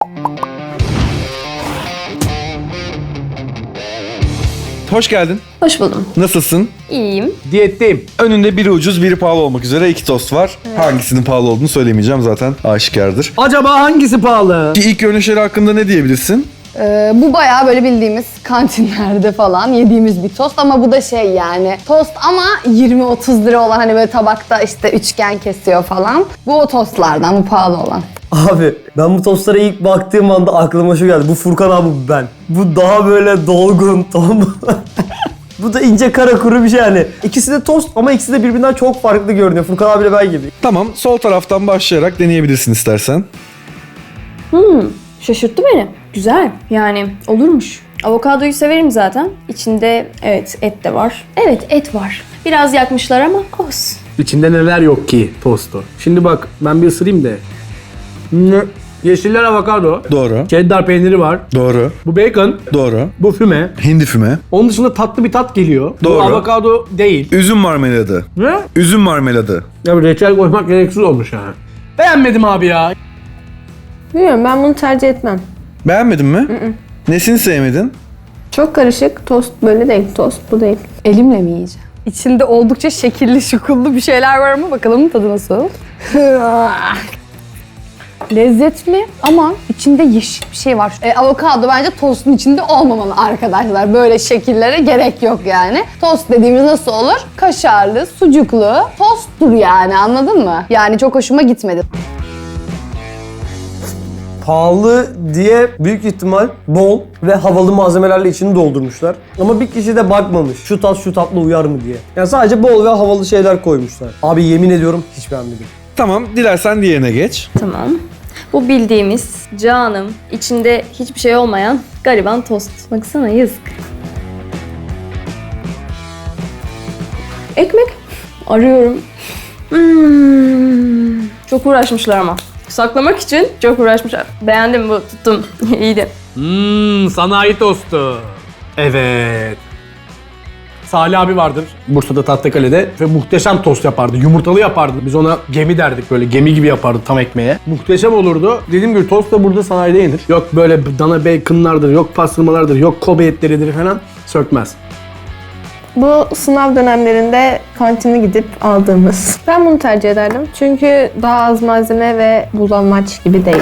Hoş geldin. Hoş buldum. Nasılsın? İyiyim. Diyetteyim. Önünde biri ucuz, biri pahalı olmak üzere 2 tost var. Hangisinin pahalı olduğunu söylemeyeceğim, zaten aşikardır. Acaba hangisi pahalı? İlk görünüşleri hakkında ne diyebilirsin? Bu bayağı böyle bildiğimiz kantinlerde falan yediğimiz bir tost ama bu da şey yani tost ama 20-30 lira olan hani böyle tabakta işte üçgen kesiyor falan. Bu o tostlardan, bu pahalı olan. Abi ben bu tostlara ilk baktığım anda aklıma şu geldi. Bu Furkan abi ben. Bu daha böyle dolgun, tombul. Bu da ince kara kuru bir şey yani. İkisi de tost ama ikisi de birbirinden çok farklı görünüyor. Furkan abiyle ben gibi. Tamam, sol taraftan başlayarak deneyebilirsin istersen. Şaşırttı beni. Güzel. Yani olurmuş. Avokadoyu severim zaten. İçinde evet et de var. Evet et var. Biraz yakmışlar ama olsun. İçinde neler yok ki tostu. Şimdi bak ben bir ısırayım de. Yeşiller avokado. Doğru. Cheddar peyniri var. Doğru. Bu bacon. Doğru. Bu füme. Hindi füme. Onun dışında tatlı bir tat geliyor. Doğru. Bu avokado değil. Üzüm marmeladı. Ne? Üzüm marmeladı. Ya reçel koymak gereksiz olmuş yani. Beğenmedim abi ya. Bilmiyorum, ben bunu tercih etmem. Beğenmedin mi? Nesini sevmedin? Çok karışık. Tost böyle değil. Tost bu değil. Elimle mi yiyeceğim? İçinde oldukça şekilli şukullu bir şeyler var ama bakalım tadı nasıl? Lezzetli ama içinde yeşil bir şey var. Avokado bence tostun içinde olmamalı arkadaşlar. Böyle şekillere gerek yok yani. Tost dediğimiz nasıl olur? Kaşarlı, sucuklu, tosttur yani, anladın mı? Yani çok hoşuma gitmedi. Pahalı diye büyük ihtimal bol ve havalı malzemelerle içini doldurmuşlar. Ama bir kişi de bakmamış şu tat şu tatla uyar mı diye. Yani sadece bol ve havalı şeyler koymuşlar. Abi yemin ediyorum hiç beğenmedim. Tamam, dilersen diğerine geç. Tamam. Bu bildiğimiz canım, içinde hiçbir şey olmayan gariban tost. Baksana yazık. Ekmek arıyorum. Çok uğraşmışlar ama. Saklamak için çok uğraşmışlar. Beğendim bu, tuttum. İyiydi. Sanayi tostu. Evet. Salih abi vardır Bursa'da Tahtakale'de ve muhteşem tost yapardı. Yumurtalı yapardı. Biz ona gemi derdik, böyle gemi gibi yapardı tam ekmeğe. Muhteşem olurdu. Dediğim gibi tost da burada sanayide yenir. Yok böyle dana baconlardır, yok pastırmalardır, yok Kobe etleridir falan, sökmez. Bu sınav dönemlerinde kantine gidip aldığımız. Ben bunu tercih ederdim. Çünkü daha az malzeme ve bulanmaç gibi değil.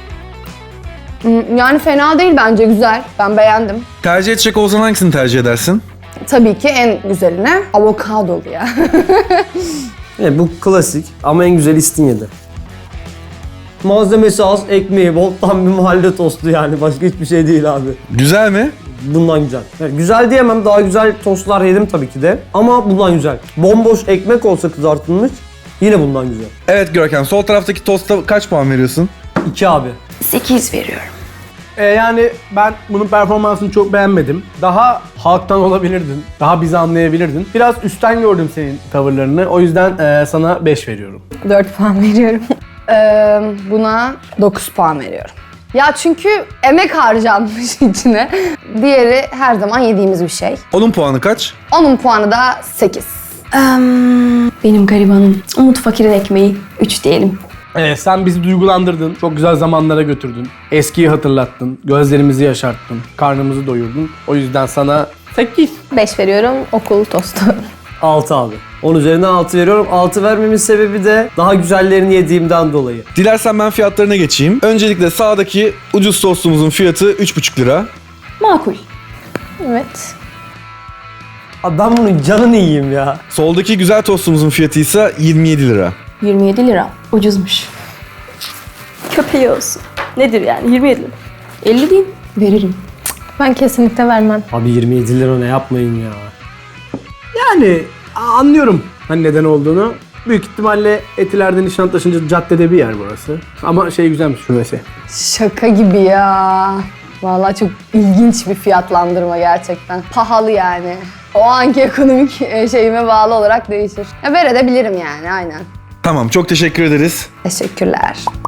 Yani fena değil bence, güzel. Ben beğendim. Tercih edecek olsan hangisini tercih edersin? Tabii ki en güzeline avokadolu ya. Evet, bu klasik ama en güzeli İstinye'de. Malzemesi az, ekmeği bol, tam bir mahalle tostu yani. Başka hiçbir şey değil abi. Güzel mi? Bundan güzel. Yani güzel diyemem, daha güzel tostlar yedim tabii ki de. Ama bundan güzel. Bomboş ekmek olsa kızartılmış yine bundan güzel. Evet Görkem, sol taraftaki tosta kaç puan veriyorsun? 2 abi. 8 veriyorum. Yani ben bunun performansını çok beğenmedim. Daha halktan olabilirdin. Daha bizi anlayabilirdin. Biraz üstten gördüm senin tavırlarını. O yüzden sana 5 veriyorum. 4 puan veriyorum. Buna 9 puan veriyorum. Ya çünkü emek harcanmış içine. Diğeri her zaman yediğimiz bir şey. Onun puanı kaç? Onun puanı da 8. Benim garibanım. Umut Fakir'in ekmeği 3 diyelim. Sen bizi duygulandırdın. Çok güzel zamanlara götürdün. Eskiyi hatırlattın. Gözlerimizi yaşarttın. Karnımızı doyurdun. O yüzden sana 8. 5 veriyorum. Okul tostu. 6 abi. 10 üzerinden 6 veriyorum. 6 vermemin sebebi de daha güzellerini yediğimden dolayı. Dilersen ben fiyatlarına geçeyim. Öncelikle sağdaki ucuz tostumuzun fiyatı 3,5 lira. Makul. Evet. Abi ben bunun canını yiyeyim ya. Soldaki güzel tostumuzun fiyatı ise 27 lira. 27 lira. Ucuzmuş. Köpeği olsun. Nedir yani 27 lira? 50 diyeyim. Veririm. Ben kesinlikle vermem. Abi 27 lira ne, yapmayın ya. Yani anlıyorum hani neden olduğunu. Büyük ihtimalle Etiler'de Nişantaşı'nca caddede bir yer burası. Ama şey güzelmiş şubesi. Şaka gibi ya. Vallahi çok ilginç bir fiyatlandırma gerçekten. Pahalı yani. O anki ekonomik şeyime bağlı olarak değişir. Ya verebilirim yani, aynen. Tamam, çok teşekkür ederiz. Teşekkürler.